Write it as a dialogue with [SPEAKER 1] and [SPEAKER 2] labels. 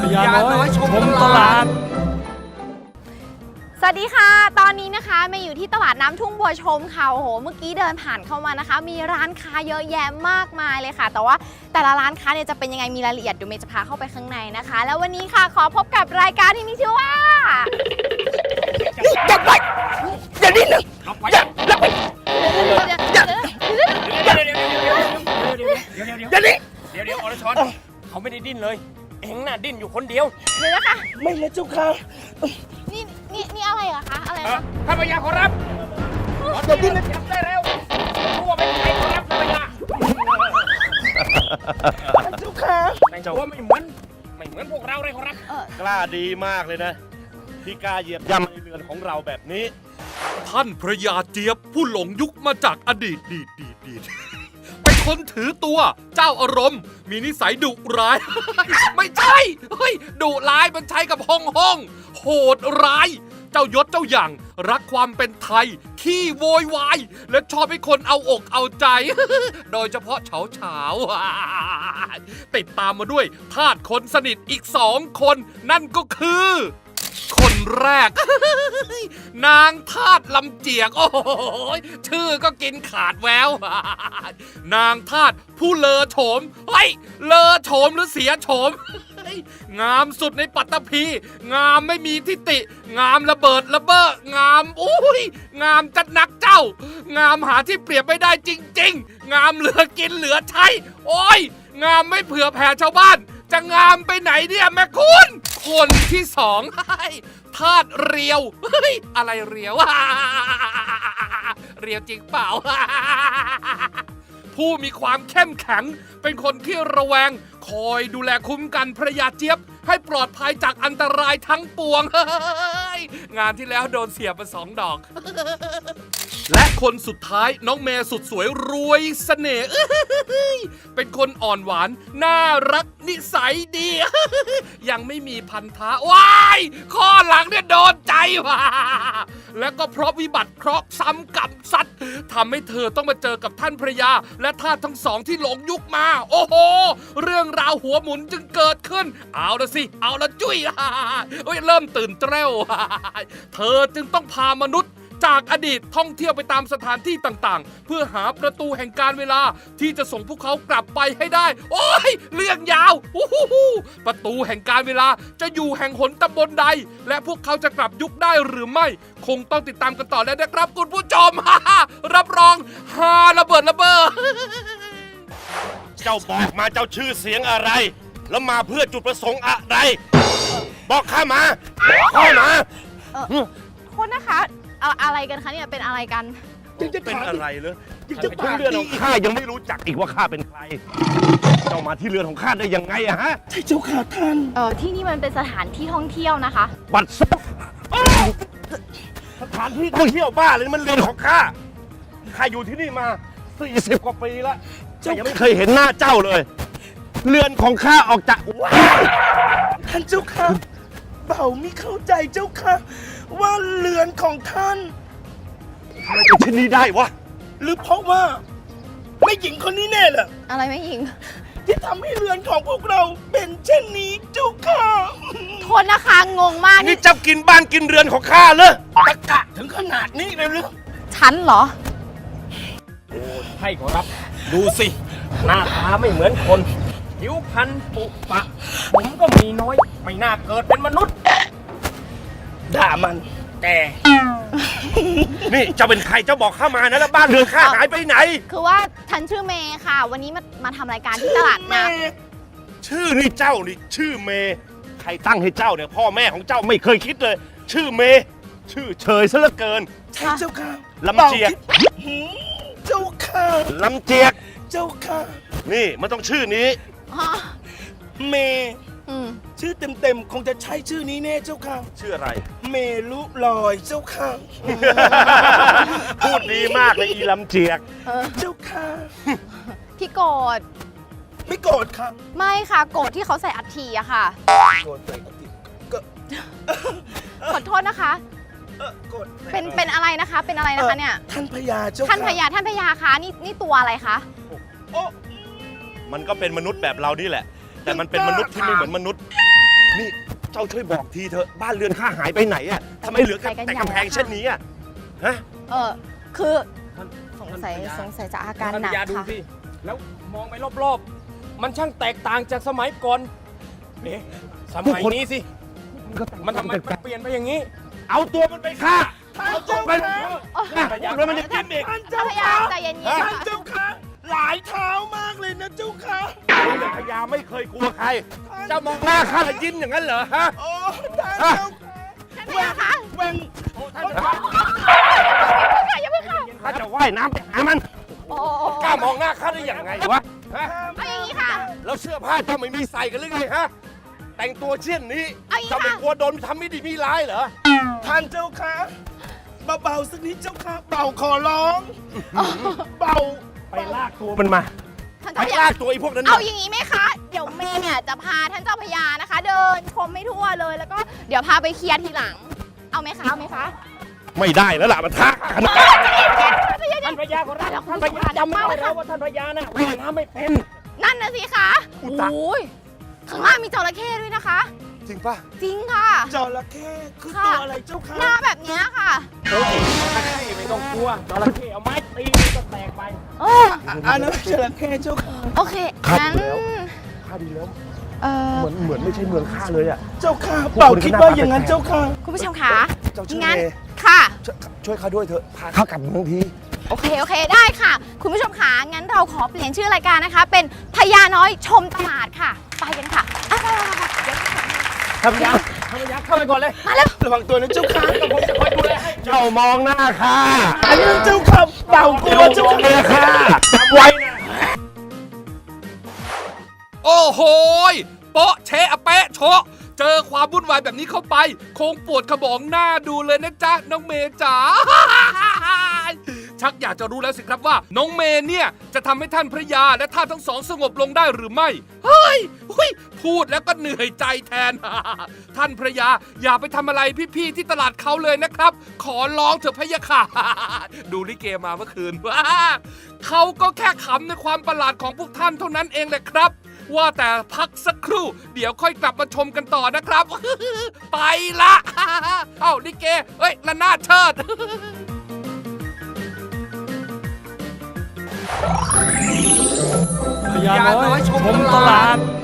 [SPEAKER 1] ยาน้อยชมตลาด
[SPEAKER 2] สวัสดีค่ะตอนนี้นะคะมาอยู่ที่ตลาดน้ำทุ่งบัวชมค่ะโอ้โหเมื่อกี้เดินผ่านเข้ามานะคะมีร้านค้าเยอะแยะมากมายเลยค่ะแต่ว่าแต่ละร้านค้าเนี่ยจะเป็นยังไงมีรายละเอียดเดี๋ยวเมย์จะพาเข้าไปข้างในนะคะแล้ววันนี้ค่ะขอพบกับรายการที่มีชื่อว่า
[SPEAKER 3] อย่าไปอย่าดิ้นนะอย่าดิ้น
[SPEAKER 1] เดี๋ยวอรชรเขาไม่ได้ดิ้นเลยเอ็งน่ะดิ้นอยู่คนเดียว
[SPEAKER 2] เดี๋ยวนะคะ
[SPEAKER 3] ไม่นะเจ้าค่ะ
[SPEAKER 2] นี่อะไรอะคะอะไรคะ
[SPEAKER 1] ข้าพเจ้าขอรับ
[SPEAKER 3] อย่าดิ้นนะ
[SPEAKER 1] จับได้แล้วรู้ว่าเป็นใครขอรับข้าพเจ้า
[SPEAKER 3] เจ้าค่ะ
[SPEAKER 1] แต่ว่าไม่เหมือนพวกเราเลยขอรับ
[SPEAKER 3] กล้าดีมากเลยนะที่กล้าเหยียบย่ำในเรือนของเราแบบนี้
[SPEAKER 4] ท่านพระยาเจี๊ยบผู้หลงยุคมาจากอดีตเป็นคนถือตัวเจ้าอารมณ์มีนิสัยดุร้าย ไม่ใช่เฮ้ยดุร้ายมันใช้กับห้องโหดร้ายเจ้ายศเจ้าอย่างรักความเป็นไทยขี้โวยวายและชอบให้คนเอาอกเอาใจ โดยเฉพาะเฉาติดตามมาด้วยทาสคนสนิทอีก2 คนนั่นก็คือคนแรก นางทาสลำเจียกโอ้โหชื่อก็กินขาดแวว นางทาสผู้เลอโฉมเฮ้ยเลอโฉมหรือเสียโฉม งามสุดในปัตตภีงามไม่มีทิฏฐิงามระเบิดระเบ้องามอุ้ยงามจัดนักเจ้างามหาที่เปรียบไม่ได้จริงๆงามเหลือกินเหลือใช้โอ้ยงามไม่เผื่อแผ่ชาวบ้านจะงามไปไหนเนี่ยแม่คุณคนที่2ทาสเรียวเฮ้ยอะไรเรียว เรียวจริงเปล่า ผู้มีความเข้มแข็งเป็นคนที่ระแวงคอยดูแลคุ้มกันพระยาเจี๊ยบให้ปลอดภัยจากอันตรายทั้งปวง งานที่แล้วโดนเสียบไป2 ดอก และคนสุดท้ายน้องเมย์สุดสวยรวยเสน่ห์ เป็นคนอ่อนหวานน่ารักนิสัยดี ยังไม่มีพันธะว้ายข้อหลังเนี่ยโดนใจว่ะและก็เพราะวิบัติเคราะห์ซ้ำกับสัตว์ทำให้เธอต้องมาเจอกับท่านพระยาและทาสทั้ง2ที่หลงยุคมาโอ้โหเรื่องราวหัวหมุนจึงเกิดขึ้นเอาละสิเอาละจุ้ย เริ่มตื่นเต้น เธอจึงต้องพามนุษย์จากอดีตท่องเที่ยวไปตามสถานที่ต่างๆเพื่อหาประตูแห่งการเวลาที่จะส่งพวกเขากลับไปให้ได้โอ้ยเรื่องยาวประตูแห่งการเวลาจะอยู่แห่งหนตำบลใดและพวกเขาจะกลับยุคได้หรือไม่คงต้องติดตามกันต่อแล้วนะครับคุณผู้ชม รับรองฮาระเบิดระเบ้อ
[SPEAKER 3] เจ้าบอกมาเจ้าชื่อเสียงอะไรแล้วมาเพื่อจุดประสงค์อะไรบอกข้ามา
[SPEAKER 2] โทษนะคะอะไรกันคะเนี่ยเป็นอะไรกัน
[SPEAKER 3] เป็นอะไรเลยจะถึงเรือนของข้ายังไม่รู้จักอีกว่าข้าเป็นใครเจ้ามาที่เรือนของข้าได้ยังไงอะฮะใช่เจ้าค่ะท่าน
[SPEAKER 2] ที่นี่มันเป็นสถานที่ท่องเที่ยวนะคะ
[SPEAKER 3] บัดซบสถานที่ท่องเที่ยวบ้าเลยมันเรือนของข้าอยู่ที่นี่มา40 กว่าปีแล้วแต่ยังไม่เคยเห็นหน้าเจ้าเลยเรือนของข้าออกจากท่านเจ้าค่ะเบาไม่เข้าใจเจ้าค่ะว่าเรือนของท่านทำไมเป็นเช่นนี้ได้วะหรือเพราะว่าไม่หญิงคนนี้แน่ล่ะ
[SPEAKER 2] อะไรไม่หญิง
[SPEAKER 3] ที่ทำให้เรือนของพวกเราเป็นเช่นนี้เจ้าค่ะ
[SPEAKER 2] โทษนะคะงงมาก
[SPEAKER 3] นี่เจ้ากินบ้านกินเรือนของข้าเลยตะกะถึงขนาดนี้เลยหรือ
[SPEAKER 2] ฉันเหรอ
[SPEAKER 1] โอ้ให้ขอรับดูสิหน้าตาไม่เหมือนคนผิวพรรณปุปะผมก็มีน้อยไม่น่าเกิดเป็นมนุษย์
[SPEAKER 3] ด่ามัน
[SPEAKER 1] แต่
[SPEAKER 3] นี่เจ้าเป็นใครเจ้าบอกข้ามานะแล้วบ้านเรือนข้าหายไปไหน
[SPEAKER 2] คือว่าฉันชื่อเมย์ค่ะวันนี้มาทำรายการที่ตลาดนะ
[SPEAKER 3] ชื่อนี่เจ้านี่ชื่อเมย์ใครตั้งให้เจ้าเนี่ยพ่อแม่ของเจ้าไม่เคยคิดเลยชื่อเมย์ชื่อเฉยซะเหลือเกินใช่เจ้าค่ะลำเจียกเจ้าค่ะลำเจียกเจ้าค่ะนี่มันต้องชื่อนี้เมย์ชื่อเต็มๆคงจะใช่ชื่อนี้แน่เจ้าค่ะชื่ออะไรเมลุลอยเจ้าค่ะพูดดีมากเลยอีลำเจียกเจ้าค่ะ
[SPEAKER 2] พี่โกรธ
[SPEAKER 3] ไม่โกรธค่ะ
[SPEAKER 2] ไม่ค่ะโกรธที่เขาใส่อัฐิอะค่ะ
[SPEAKER 3] โกรธใส่อัฐิก็
[SPEAKER 2] ขอโทษนะคะเป็นอะไรนะคะเป็นอะไรนะคะเนี่ย
[SPEAKER 3] ท่านพญาเจ้า
[SPEAKER 2] ท่านพญาคะนี่ตัวอะไรคะ
[SPEAKER 3] มันก็เป็นมนุษย์แบบเรานี่แหละแต่มันเป็นมนุษย์ที่ไม่เหมือนมนุษย์นี่เจ้าช่วยบอกทีเถอะบ้านเรือนข้าหายไปไหนอะทำไมเหลือแต่กำแพงเช่นนี้อะฮะ
[SPEAKER 2] คือสงสัยจะอาการหนัก
[SPEAKER 1] ท่านพญาดู
[SPEAKER 2] ค่ะ
[SPEAKER 1] สิแล้วมองไปรอบๆ มันช่างแตกต่างจากสมัยก่อนเอ๊ะสมัยนี้สิ มันทำไมมันเปลี่ยนไปอย่างนี้
[SPEAKER 3] เอาตัวมันไปฆ่าเอาตัวมันแล้วมันจะกินอีก
[SPEAKER 2] เจ้าพญาใจเย็นๆค่ะ
[SPEAKER 3] เจ้าค่ะหลายเท้ามากเลยนะเจ้าค่ะพญาไม่เคยกลัวใคร เจ้ามองหน้าข้าแล้วยิ้มอย่างนั้นเหรอฮะ
[SPEAKER 2] ท่านพญาคะ
[SPEAKER 1] ท่านพญา
[SPEAKER 2] ค่ะอย่าเพิ่งค่ะ
[SPEAKER 3] ข้าจะว่ายน้ำไปหามัน
[SPEAKER 2] โอ้
[SPEAKER 3] กล้ามองหน้าข้าได้ยังไงวะฮะ
[SPEAKER 2] เอาอย่างนี้ค่ะ
[SPEAKER 3] แล้วเสื้อผ้าเจ้าไม่มีใส่กันหรือไงฮะแต่งตัวเช่นนี้
[SPEAKER 2] เอาอย่างนี้
[SPEAKER 3] เจ้าไม่
[SPEAKER 2] ค่ะ
[SPEAKER 3] กลัวโดนทำไม่ดีมีร้ายเหรอ
[SPEAKER 5] ท่านเจ้าค่ะเบาๆสักนิดเจ้าค่ะเบาขอร้อง เบา
[SPEAKER 3] ไปลากตัวมันมา
[SPEAKER 2] ท่าน
[SPEAKER 3] ไป
[SPEAKER 2] เจ้าพญา
[SPEAKER 3] ลากตัวไอ้พวกนั้น
[SPEAKER 2] เอา
[SPEAKER 3] มา
[SPEAKER 2] อย่างนี้ไหมคะ เดี๋ยวเมย์เนี่ยจะพาท่านเจ้าพญานะคะ เดินชมไม่ทั่วเลย แล้วก็เดี๋ยวพาไปเคลียร์ทีหลัง เอาไหมคะ เอาไหมคะ
[SPEAKER 3] ไม่ได้แล้วล่ะมันท้ากัน
[SPEAKER 1] ท่านพญาขอรับท่านพญาจำไม่ได้แล้วว่าท่านพญาน่ะว่ายน้ำไม่เป็น
[SPEAKER 2] นั่นนะสิคะโอ้ยข้างล่างมีจระเข้ด้วยนะคะ
[SPEAKER 3] จริงป่ะ
[SPEAKER 2] จริงค่ะ
[SPEAKER 5] จระเข้คือ
[SPEAKER 2] ค่ะ
[SPEAKER 5] ตัวอะไรเจ้าค่ะ
[SPEAKER 2] หน้าแบบเนี้ยค่ะ
[SPEAKER 1] เฮ้ยไม่ต้องกลัวจระเข้เอาไม้ตีมันก็แตกไป
[SPEAKER 2] เออ
[SPEAKER 5] อันนั้นจระเข้เจ้าค่ะ
[SPEAKER 2] โอเค งั้น
[SPEAKER 3] ข้าดีแล้ว
[SPEAKER 2] เออ
[SPEAKER 3] เหมือนไม่ใช่เมืองข้าเลยอ่ะ
[SPEAKER 5] เจ้าค่ะเบาคิดว่าอย่างนั้นเจ้าค่ะ
[SPEAKER 2] คุณผู้ชมคะ
[SPEAKER 3] เจ้าชื่อ
[SPEAKER 2] งั้น
[SPEAKER 3] เมย์
[SPEAKER 2] ค่ะ
[SPEAKER 3] ช่วยข้าด้วยเถอะพาข้ากลับเมืองที
[SPEAKER 2] โอเค ได้ค่ะ คุณผู้ชมคะงั้นเราขอเปลี่ยนชื่อรายการนะคะ เป็นพญาน้อยชมตลาดค่ะ ไปกันค่ะอ่ะ
[SPEAKER 1] ท่านพญาเข้าไปก่อนเลย
[SPEAKER 2] มาแล้ว
[SPEAKER 5] ระวังตัวนะเจ้าค่ะ
[SPEAKER 1] ผมจะคอยดูแลให้
[SPEAKER 3] เจ้ามองหน้าข้า
[SPEAKER 5] อันนั้นเจ้าค่ะเบากลัวเจ้าค่ะ
[SPEAKER 3] เมียข้าจำไว้นะ
[SPEAKER 4] โอ้โหยโป๊ะเชะอะเป๊ะโชะเจอความวุ่นวายแบบนี้เข้าไป คงปวดขบองหน้าดูเลยนะจ๊ะ น้องเมย์จ๋า ชักอยากจะรู้แล้วสิครับว่า น้องเมย์เนี่ย จะทำให้ท่านพระยาและท่านทั้งสองสงบลงได้หรือไม่ เฮ้ยพูดแล้วก็เหนื่อยใจแทน ท่านพระยาอย่าไปทำอะไรพี่ๆที่ตลาดเขาเลยนะครับ ขอร้องเถอะพะยะค่ะ ดูลิเกมาเมื่อคืน ว่าเขาก็แค่ขำในความประหลาดของพวกท่านเท่านั้นเองแหละครับ ว่าแต่พักสักครู่ เดี๋ยวค่อยกลับมาชมกันต่อนะครับ ไปละ เอ้าลิเกเอ้ยระนาดเชิด
[SPEAKER 1] พญาน้อยชมตลาด